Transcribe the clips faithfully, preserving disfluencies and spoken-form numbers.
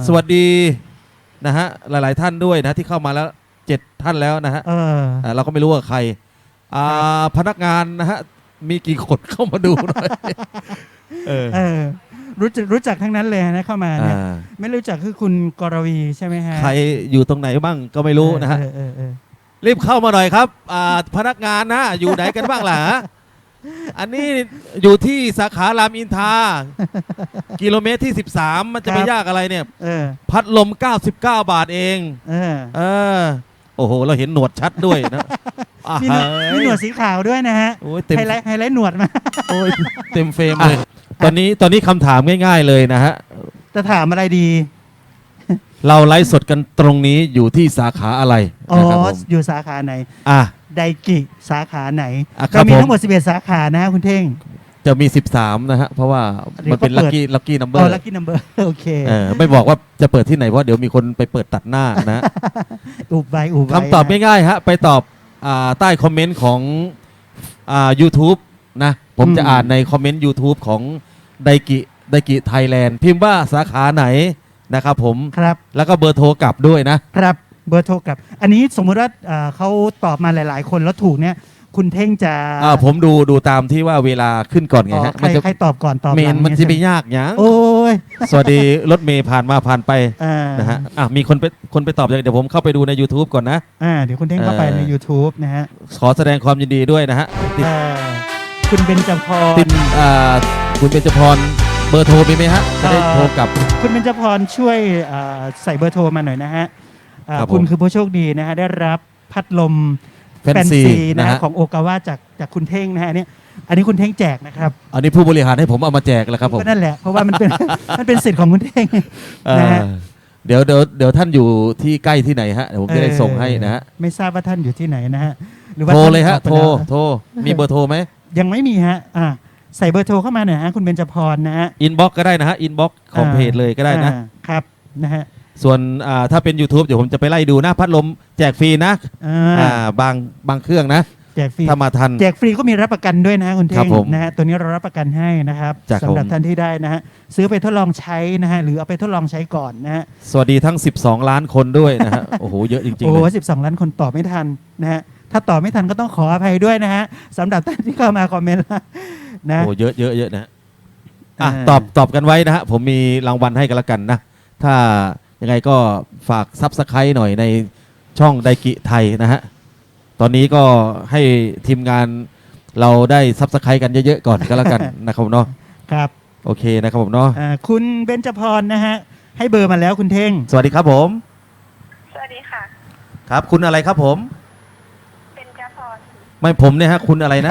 สวัสดีนะฮะหลายๆท่านด้วยนะที่เข้ามาแล้วเจ็ดท่านแล้วนะฮะเอออ่าเราก็ไม่รู้ว่าใครอ่าพนักงานนะฮะมีกี่คนเข้ามาดูหน่อยเออเออรู้จักรู้จักทั้งนั้นเลยนะเข้ามาเนี่ยอ่าไม่รู้จักคือคุณกรวีใช่ไหมฮะใครอยู่ตรงไหนบ้างก็ไม่รู้นะฮะเออเออเออรีบเข้ามาหน่อยครับอ่าพนักงานนะอยู่ไหนกันบ้างล่ะอันนี้อยู่ที่สาขารามอินทรากิโลเมตรที่สิบสามมันจะไปยากอะไรเนี่ยเออพัดลมเก้าสิบเก้าบาทเองเออเออโอ้โหเราเห็นหนวดชัดด้วยนะอ่ะมีหนวดมีหนวดสีขาวด้วยนะฮะโอ้ยเต็มไฮไลท์ไฮไลท์หนวดมาโอ้ยเต็มเฟรมเลยตอนนี้ตอนนี้คำถามง่ายๆเลยนะฮะจะถามอะไรดีเราไลฟ์สดกันตรงนี้อยู่ที่สาขาอะไรอ๋อนะครับผมอยู่สาขาไหนอ่ะไดกิสาขาไหนอ่ะครับเรามีผมทั้งหมดสิบเอ็ดสาขานะฮะคุณเท่งจะมีสิบสามนะฮะเพราะว่ามันเป็นเดี๋ลัยวคเขาเปิดกี้ลัคกี้นัมเบออ๋อร์ลัคกี้นัมเบอร์โอเคเออไม่บอกว่าจะเปิดที่ไหนเพราะเดี๋ยวมีคนไปเปิดตัดหน้านะอุบไว้อุบไว้คำตอบง่ายๆฮะไปตอบอ่าใต้คอมเมนต์ของอ่า YouTube นะผมจะอ่านในคอมเมนต์ YouTube ของไดกิไดกิไทยแลนด์พิมพ์ว่าสาขาไหนนะครับผมครับแล้วก็เบอร์โทรกลับด้วยนะครับเบอร์โทรกลับ อันนี้สมมุติว่าเอ่อเขาตอบมาหลาย ๆ คนแล้วถูกเนี่ยคุณเท่งจะอ่าผมดูดูตามที่ว่าเวลาขึ้นก่อนไงอ๋อฮะใครมันจะใครตอบก่อนตอบเมหลันงมันเยจะไปใช่หยากหยังโอ้ยสวัสดีรถเมย์ผ่านมาผ่านไปอ่านะฮะอ่ะมีคนไปคนไปตอบเดี๋ยวผมเข้าไปดูใน YouTube ก่อนนะอ่าเดี๋ยวคุณเท่งเข้าไปในเออ YouTube นะฮะขอแสดงความยินดีด้วยนะฮะติดอ่าคุณเบญจพรตินอ่าคุณเบญจพรเบอร์โทรมีไหมฮะจะได้เอ่อโทรกลับคุณเบญจพรช่วยอ่าใส่เบอร์โทรมาหน่อยนะฮะอ่าครับผมคุณคือผู้โชคดีนะฮะได้รับพัดลมแฟนซีนะนะฮะฮะของโอกาวาจากจากคุณเท่งนะฮะเนี่ยอันนี้คุณเท่งแจกนะครับอันนี้ผู้บริหารให้ผมเอามาแจกแล้วครับผมก็นั่นแหละเพราะว่ามันเป็น มันเป็นสิทธิ์ของคุณเท่งเอ่อนะฮะเดี๋ยวเดี๋ยวเดี๋ยวท่านอยู่ที่ใกล้ที่ไหนฮะเดี๋ยวผมจะได้ส่งให้นะฮะเออไม่ทราบว่าท่านอยู่ที่ไหนนะฮะหรือว่าโทรท่านเลยฮะออกไปโทรแล้วโทรมีเบอร์โทรไหมยังไม่มีฮะอ่าใส่เบอร์โทรเข้ามาหน่อยฮะคุณเบญจพรนะฮะอินบ็อกก็ได้นะฮะอินบ็อกของเพจเลยก็ได้นะอ่าครับนะฮะส่วนอ่าถ้าเป็น YouTube เดี๋ยวผมจะไปไล่ดูนะพัดลมแจกฟรีนะอ่าอ่าบางบางเครื่องนะแจกฟรีถ้ามาทันแจกฟรีก็มีรับประกันด้วยนะฮะคุณเท่ครังบผมนะฮะตัวนี้เรารับประกันให้นะครับจากสำหรับผมท่านที่ได้นะฮะซื้อไปทดลองใช้นะฮะหรือเอาไปทดลองใช้ก่อนนะฮะสวัสดีทั้ง สิบสอง ล้านคนด้วยนะฮะ โอ้โหเยอะจริงโอ้ๆโหเลยสิบสองล้านคนตอบไม่ทันนะฮะถ้าตอบไม่ทันก็ต้องขออภัยด้วยนะฮะสำหรับท่านที่เข้ามาคอมเมนต์นะโอ้เยอะเยอะเยอะนะฮะอ่ะเออตอบตอบกันไว้นะฮะผมมีรางวัลให้กันละกันนะ ถ้ายังไงก็ฝากซับสไครต์หน่อยในช่องไดกิไทยนะฮะ ตอนนี้ก็ให้ทีมงานเราได้ซับสไครต์กันเยอะๆก่อนก็แล้วกัน นะครับเนาะครับโอเคนะครับผมเนาะอ่าคุณเบญจพรนะฮะให้เบอร์มาแล้วคุณเท่งสวัสดีครับผมสวัสดีค่ะครับ คุณอะไรครับผมเป็นจาพรไม่ผมเนี่ยฮะคุณอะไรนะ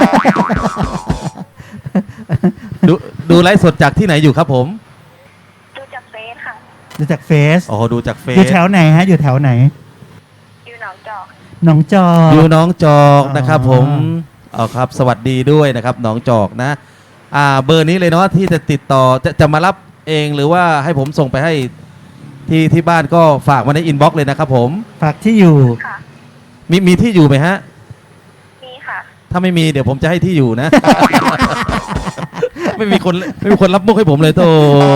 ดูดูไลฟ์สดจากที่ไหนอยู่ครับผมดูจากเฟซค่ะดูจากเฟซอ๋อดูจากเฟอยู่ซแถวไหนฮะอยู่แถวไหนอยู่หนองจอกหนองจอกอยู่น้องจอกอ๋อนะครับผมเอาครับ สวัสดีด้วยนะครับน้องจอกนะ อ่าเบอร์นี้เลยเนาะที่จะติดต่อจะจะมารับเองหรือว่าให้ผมส่งไปให้ที่ที่บ้านก็ฝากมาในอินบ็อกซ์เลยนะครับผมฝากที่อยู่ค่ะมีมีที่อยู่ไหมฮะมีค่ะถ้าไม่มีเดี๋ยวผมจะให้ที่อยู่นะ ไม่มีคนไม่มีคนรับมุกให้ผมเลยโต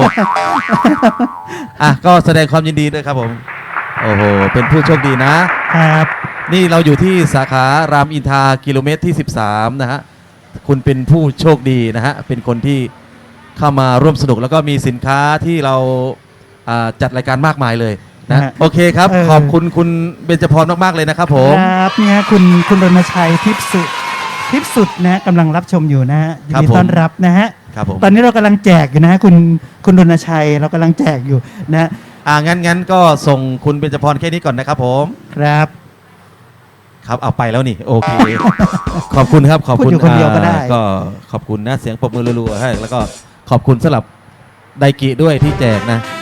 อ่ะก็แสดงความยินดีด้วยครับผม โอ้โหเป็นผู้โชคดีนะครับนี่เราอยู่ที่สาขารามอินทรากิโลเมตรที่สิบสามนะฮะคุณเป็นผู้โชคดีนะฮะเป็นคนที่เข้ามาร่วมสนุกแล้วก็มีสินค้าที่เราอ่าจัดรายการมากมายเลยนะฮะโอเคครับเออขอบคุณคุณเบญจพรมากๆเลยนะครับผมครับเนี่ยคุณคุณรณชัยทิพย์สุทิพย์สุดนะฮะกำลังรับชมอยู่นะฮะยินครับดีผมต้อนรับนะฮะครับผมตอนนี้เรากำลังแจกอยู่นะฮะคุณคุณรณชัยเรากำลังแจกอยู่นะฮะอ่างั้นงั้นก็ส่งคุณเบญจพรแค่นี้ก่อนนะครับผมครับครับเอาไปแล้วนี่โอเค ขอบคุณครับขอบคุณพูดอยู่คนเดียวก็ได้อ่าก็ขอบคุณนะเสียงปรบมือรัวๆให้แล้วก็ขอบคุณสำหรับไดกิด้วยที่แจกนะ